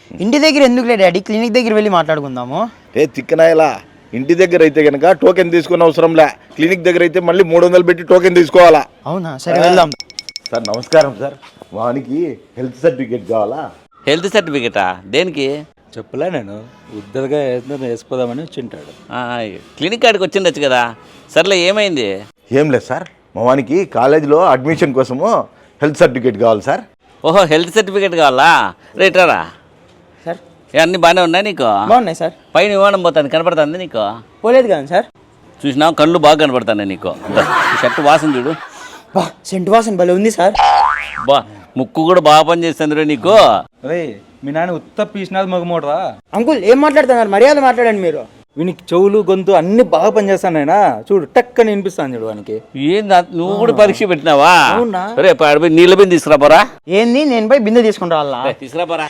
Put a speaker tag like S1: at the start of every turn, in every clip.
S1: ఇంటి దగ్గర ఎందుకు లేదు డాడీ, క్లినిక్ దగ్గర వెళ్ళి మాట్లాడుకుందాము.
S2: తిక్కనాయలా, ఇంటి దగ్గర అయితే కనుక టోకెన్ తీసుకునే అవసరంలే, క్లినిక్ దగ్గర అయితే మళ్ళీ 300 పెట్టి టోకెన్ తీసుకోవాలా.
S1: అవునా, సరే వెళ్దాం.
S2: సార్ నమస్కారం సార్, వానికి హెల్త్ సర్టిఫికేట్ కావాలా?
S3: హెల్త్ సర్టిఫికేటా? దేనికి?
S4: చెప్పలే నేను ఉద్దరగా వేసిపోదామని వచ్చింటాడు.
S3: క్లినిక్ కాడికి వచ్చిండొచ్చు కదా. సర్లే, ఏమైంది?
S2: ఏం లేదు సార్, మా వానికి కాలేజీలో అడ్మిషన్ కోసము హెల్త్ సర్టిఫికేట్ కావాలి సార్.
S3: ఓహో, హెల్త్ సర్టిఫికేట్ కావాలా? రేటారా
S1: సార్
S3: అన్నీ బాగానే ఉన్నాయి నీకు?
S1: బాగున్నాయి సార్.
S3: పైన విమానం పోతుంది, కనపడుతుంది నీకు?
S1: పోలేదు కదా సార్.
S3: చూసినావు, కళ్ళు బాగా కనపడుతున్నాయి నీకు. ఈ షర్ట్ వాసన చూడు,
S1: బా సెంటు వాసన భలే ఉంది సార్.
S3: బా ముక్కు కూడా బాగా పనిచేస్తుంది నీకు.
S4: రే, మీ నాన్న ఉత్త పీసినాది మగమోడరా.
S1: అంకుల్ ఏం మాట్లాడుతున్నారు, మర్యాద మాట్లాడండి మీరు.
S4: వీనికి చెవులు గొంతు అన్ని బాగా పనిచేస్తాను ఆయన. చూడు టక్కని వినిపిస్తాను చూడు వానికి.
S3: ఏంది నువ్వు కూడా పరీక్ష పెట్టినావా?
S1: అవునా?
S3: రేపు ఆడిపోయి నీళ్ళ బిందె తీసుకురాపోరా.
S1: ఏంది, నేను పోయి బిందె తీసుకుంటా వాళ్ళ?
S3: తీసుకురాపోరా.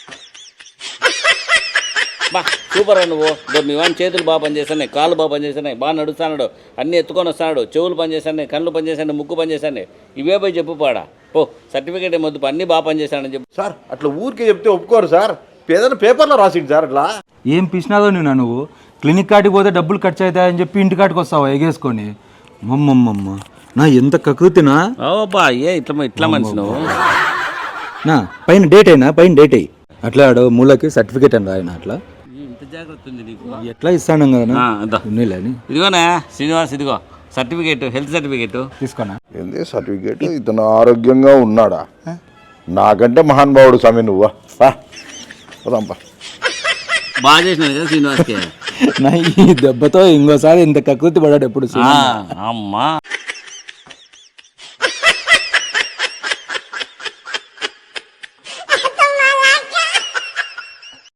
S3: బా సూపర్ రా నువ్వు. మీ వాని చేతులు బాగా పనిచేస్తున్నాయి, కాళ్ళు బాగా పనిచేస్తున్నాయి, బాగా నడుస్తున్నాడు, అన్నీ ఎత్తుకొని వస్తున్నాడు, చెవులు పనిచేస్తున్నాయి, కళ్ళు పనిచేస్తున్నాయి, ముక్కు పనిచేస్తున్నాయి. ఇవే పోయి చెప్పు పాడా. ఓ సర్టిఫికేట్ ఏమొద్దు, అన్నీ బాగా పనిచేస్తానని చెప్పు.
S2: సార్ అట్లా ఊరికే చెప్తే ఒప్పుకోరు సార్, ఏదైనా పేపర్లో రాసిండు సార్ అట్లా.
S4: ఏం పీసినాదో నువ్వు క్లినిక్ కాటికి పోతే డబ్బులు ఖర్చు అవుతాయని చెప్పి ఇంటి కాటికి వస్తావా ఎగేసుకొని? మమ్మమ్మమ్మ నా ఎంత కకృతినా.
S3: ఓబా ఇట్లా మనిషి నువ్వు.
S4: నా పైన డేట్ అయినా పైన డేట్ అయ్యి అట్లా ఆడు మూలకి సర్టిఫికేట్ అని రాయన. అట్లా
S3: ఇంత జాగ్రత్త ఉంది నీకు.
S4: ఎట్లా ఇస్తాను కదా ఉన్నీలేని.
S3: ఇదిగోనా శ్రీనివాస్, ఇదిగో సర్టిఫికేట్, హెల్త్ సర్టిఫికేట్
S4: తీసుకోనా.
S2: ఏంది సర్టిఫికేట్? ఇతను ఆరోగ్యంగా ఉన్నాడా? నాకంటే మహానుభావుడు స్వామి నువ్వా. పోదాంపా.
S3: బాగా చేసినాడు కదా శ్రీనివాస్కి.
S4: నా ఈ దెబ్బతో ఇంకోసారి ఇంత కకృతి పడాడు ఎప్పుడు.
S3: అమ్మా